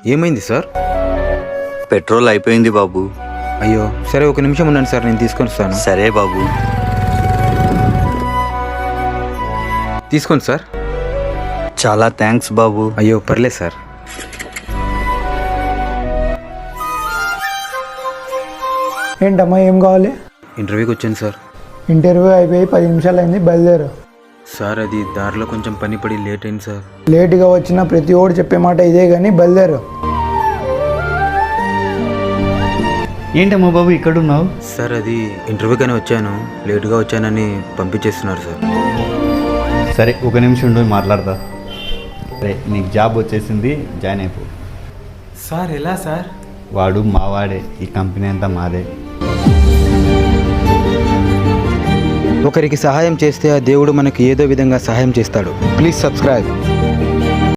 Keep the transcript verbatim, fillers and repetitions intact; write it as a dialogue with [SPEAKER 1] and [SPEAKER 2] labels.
[SPEAKER 1] ఏమైంది sir?
[SPEAKER 2] Petrol అయిపోయింది బాబు.
[SPEAKER 1] అయ్యో సరే, ఒక నిమిషం ఉండండి సార్, నేను తీసుకొని వస్తాను.
[SPEAKER 2] సరే బాబు.
[SPEAKER 1] తీసుకోండి సార్.
[SPEAKER 2] చాలా థ్యాంక్స్ బాబు.
[SPEAKER 1] అయ్యో పర్లేదు సార్.
[SPEAKER 3] ఏంటమ్మా, ఏం కావాలి?
[SPEAKER 1] ఇంటర్వ్యూకి వచ్చాను సార్.
[SPEAKER 3] ఇంటర్వ్యూ అయిపోయి పది నిమిషాలు అయింది, బయలుదేరు.
[SPEAKER 1] సార్ అది దారిలో కొంచెం పని పడి లేట్ అయింది సార్.
[SPEAKER 3] లేట్గా వచ్చిన ప్రతి ఓడు చెప్పే మాట ఇదే కానీ బయలుదేరు.
[SPEAKER 4] ఏంటమ్మా బాబు ఇక్కడ ఉన్నావు?
[SPEAKER 1] సార్ అది ఇంటర్వ్యూకని వచ్చాను, లేటుగా వచ్చానని పంపించేస్తున్నారు సార్.
[SPEAKER 4] సరే ఒక నిమిషం ఉండి మాట్లాడతా. సరే నీకు జాబ్ వచ్చేసింది, జాయిన్ అయిపో.
[SPEAKER 1] సార్ ఎలా సార్?
[SPEAKER 4] వాడు మావాడే, ఈ కంపెనీ అంతా మాదే.
[SPEAKER 1] ఒకరికి సహాయం చేస్తే ఆ దేవుడు మనకి ఏదో విధంగా సహాయం చేస్తాడు. Please subscribe.